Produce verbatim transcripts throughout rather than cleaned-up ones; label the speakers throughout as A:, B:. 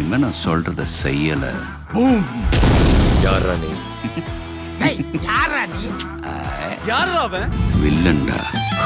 A: இனிமே நான் சொல்றத செய்யல.
B: யாரா நீ?
C: யாரா நீ? யாரா அவன்?
A: வில்லன்டா.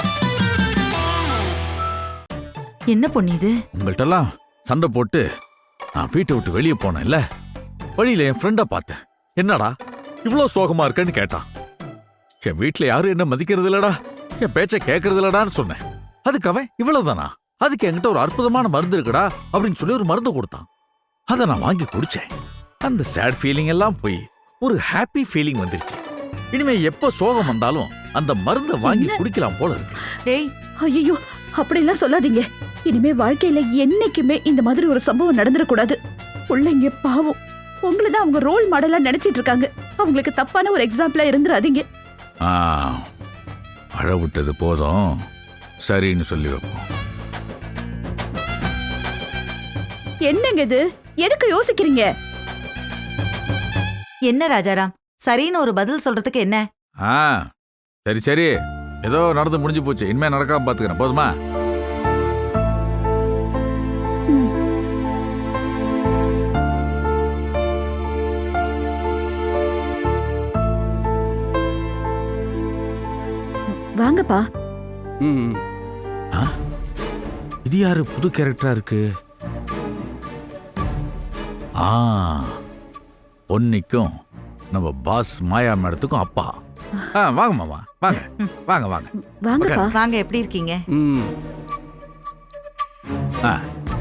D: என்ன பொண்ணு இது?
E: உங்கள்கிட்டலாம் சண்டை போட்டு நான் வீட்டை விட்டு வெளியே போனேன்ல, வழியில என் ஃப்ரெண்டை பார்த்தேன். என்னடா இவ்வளோ சோகமா இருக்கேன்னு கேட்டான். என் வீட்டுல யாரும் என்ன மதிக்கிறது இல்லடா, என் பேச்சை கேட்கறது இல்லடான்னு சொன்னேன். அதுக்கு அவன் இவ்வளவுதானா, அதுக்கு என்கிட்ட ஒரு அற்புதமான மருந்து இருக்குடா அப்படின்னு சொல்லி ஒரு மருந்து கொடுத்தான். அதை நான் வாங்கி குடிச்சேன். அந்த சேட் ஃபீலிங் எல்லாம் போய் ஒரு ஹாப்பி ஃபீலிங் வந்துருச்சு. இனிமே எப்ப சோகம் வந்தாலும் அந்த மருந்தை வாங்கி குடிக்கலாம் போல இருக்கு.
D: டேய்,
F: ஐயோ அப்படிலாம் சொல்லாதீங்க. இனிமே வாழ்க்கையில என்னைக்குமே இந்த மாதிரி ஒரு சம்பவம் நடந்துடக்கூடாது. பிள்ளைங்க பாவம், உங்களதான் அவங்க ரோல் மாடலா நினைச்சிட்டு இருக்காங்க. அவங்களுக்கு தப்பான ஒரு எக்ஸாம்பிளா இருந்துடாதீங்க.
E: ஆ, அழ விட்டது போதும், சரின்னு சொல்லி வைப்போம்.
F: என்னங்க இது? எதுக்கு யோசிக்கிறீங்க?
D: என்ன ராஜாராம், சரின்னு ஒரு பதில் சொல்றதுக்கு என்ன?
E: ஆ, சரி சரி, ஏதோ நடந்து முடிஞ்சு போச்சு, இனிமே நடக்காம பாத்துக்கிறேன், போதுமா?
F: வாங்கப்பா.
E: இது யாரு புது கேரக்டரா இருக்கு? ஆ, பொன்னிக்கும் நம்ம பாஸ் மாயா மேடத்துக்கும் அப்பா. ஆ, வாங்க மாமா, வாங்க வாங்க வாங்க
F: வாங்கப்பா.
D: வாங்க, எப்படி இருக்கீங்க?
E: ஆ,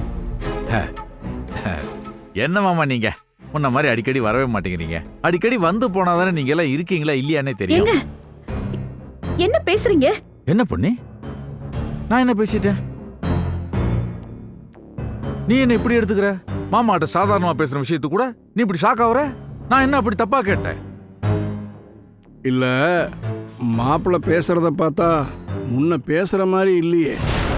E: என்ன மாமா நீங்க முன்ன மாதிரி அடிக்கடி வரவே மாட்டேங்கிறீங்க. அடிக்கடி வந்து போனாதானே நீங்க எல்லாம் இருக்கீங்களா இல்லையானே தெரியும்.
F: என்ன பேசுறீங்க?
E: என்ன பொண்ணு, நான் என்ன பேசிட்டேன்? நீ என்ன இப்படி எடுத்துக்கிற? மாமாட்ட சாதாரணமா பேசுற விஷயத்து கூட நீ இப்படி ஷாக் ஆகுற? நான் என்ன அப்படி தப்பா கேட்டேன்?
G: இல்ல, மாப்பிள்ள பேசுறத பார்த்தா முன்ன பேசுற மாதிரி இல்லையே.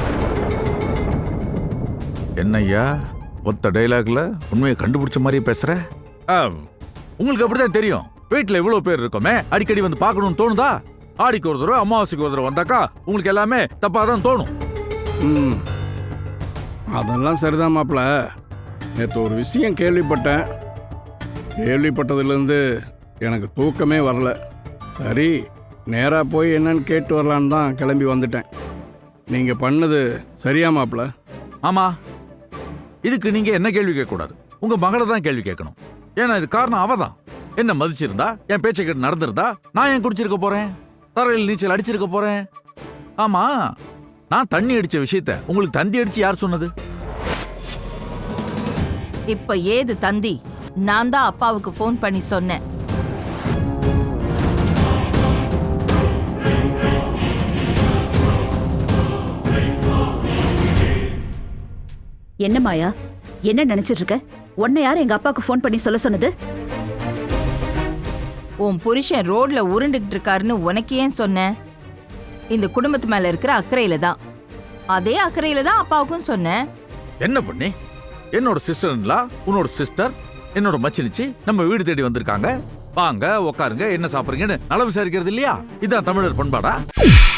E: என்னய்யா ஒத்த டைலாக்ல உண்மையை கண்டுபிடிச்ச மாதிரியே பேசுற? உங்களுக்கு அப்படிதான் தெரியும். வீட்டுல இவ்வளவு பேர் இருக்கோமே, அடிக்கடி வந்து பார்க்கணும்னு தோணுதா? ஆடிக்கு ஒரு தடவை அமாவாசைக்கு ஒரு தடவை வந்தாக்கா உங்களுக்கு எல்லாமே தப்பா தான் தோணும்.
G: ம், அதெல்லாம் சரிதான் மாப்பிள்ள. நேற்று ஒரு விஷயம் கேள்விப்பட்டேன். கேள்விப்பட்டதுலேருந்து எனக்கு தூக்கமே வரல. சரி, நேராக போய் என்னன்னு கேட்டு வரலான்னு தான் கிளம்பி வந்துட்டேன். நீங்கள் பண்ணது சரியா மாப்பிள்ள?
E: ஆமா, இதுக்கு நீங்க என்ன கேள்வி கேட்கக்கூடாது, உங்க மகளை தான் கேள்வி கேட்கணும். ஏன்னா இது காரணம் அவ தான். என்ன மதிச்சிருந்தா, என் பேச்சை கேட்டு நடந்திருந்தா, நான் ஏன் குடிச்சிருக்க போறேன், தரையில் நீச்சல் அடிச்சிருக்க போறேன்? ஆமா, நான் தண்ணி அடிச்ச விஷயத்த உங்களுக்கு தந்தி அடிச்சு யார் சொன்னது?
H: இப்ப ஏது தந்தி? நான் தான் அப்பாவுக்கு போன் பண்ணி சொன்னேன்.
F: என்ன மாயா, என்ன நினைச்சிட்டு இருக்க? உன்னை யார் எங்க அப்பாவுக்கு போன் பண்ணி சொல்ல சொன்னது?
H: உன் புருஷன் ரோட்ல உருண்டுகிட்டு இருக்காருன்னு உனக்கு ஏன் சொன்னேன்? இந்த குடும்பத்து மேல இருக்கிற அக்கறையில தான். அதே அக்கறையில தான் அப்பாவுக்கும் சொன்னேன்.
E: என்ன பண்ணி, என்னோட சிஸ்டர்ல உன்னோட சிஸ்டர் என்னோட மச்சினிச்சு நம்ம வீடு தேடி வந்திருக்காங்க, வாங்க உட்காருங்க என்ன சாப்பிடுறீங்கன்னு நல விசாரிக்கிறது இல்லையா? இதான் தமிழர் பண்பாடா?